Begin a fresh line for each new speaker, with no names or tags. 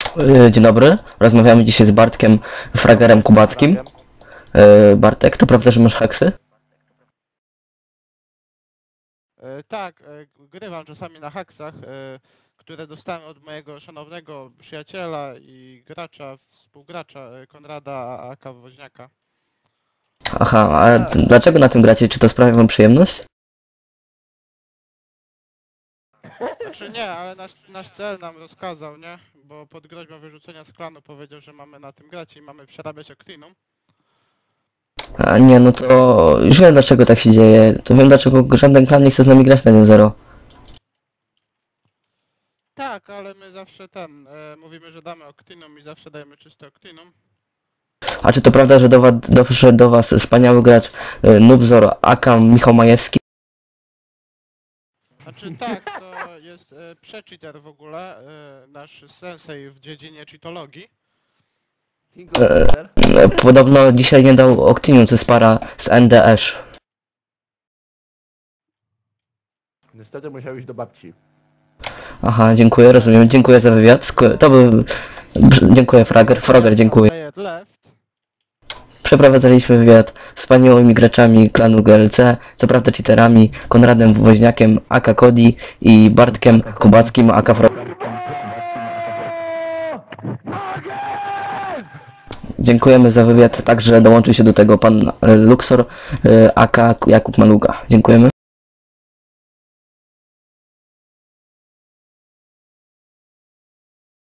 Dzień dobry, rozmawiamy dzisiaj z Bartkiem Fragerem Kubackim. Bartek, to prawda, że masz haksy?
Tak, grywam czasami na haksach, które dostałem od mojego szanownego przyjaciela i gracza, współgracza Konrada aka Woźniaka.
Aha, a dlaczego na tym gracie? Czy to sprawia wam przyjemność?
Znaczy nie, ale nasz cel nam rozkazał, nie? Bo pod groźbą wyrzucenia z klanu powiedział, że mamy na tym grać i mamy przerabiać Octinum.
A nie, no to już wiem dlaczego tak się dzieje. To wiem dlaczego żaden klan nie chce z nami grać na 1-0.
Tak, ale my zawsze mówimy, że damy Octinum i zawsze dajemy czyste Octinum.
A czy to prawda, że doszedł do was wspaniały gracz Nubzor aka Michał Majewski?
Znaczy tak, to jest prze-cheater w ogóle, nasz sensei w dziedzinie cheatologii.
Podobno dzisiaj nie dał Octinium, to jest para z NDS.
Niestety musiał iść do babci.
Aha, dziękuję, rozumiem, dziękuję za wywiad. To był... Dziękuję Frager, dziękuję.
Play it left.
Przeprowadzaliśmy wywiad z wspaniałymi graczami klanu GLC, co prawda cheaterami, Konradem Woźniakiem, aka Cody i Bartkiem Kubackim, aka Dziękujemy za wywiad, także dołączył się do tego pan Luxor, aka Jakub Maluga. Dziękujemy.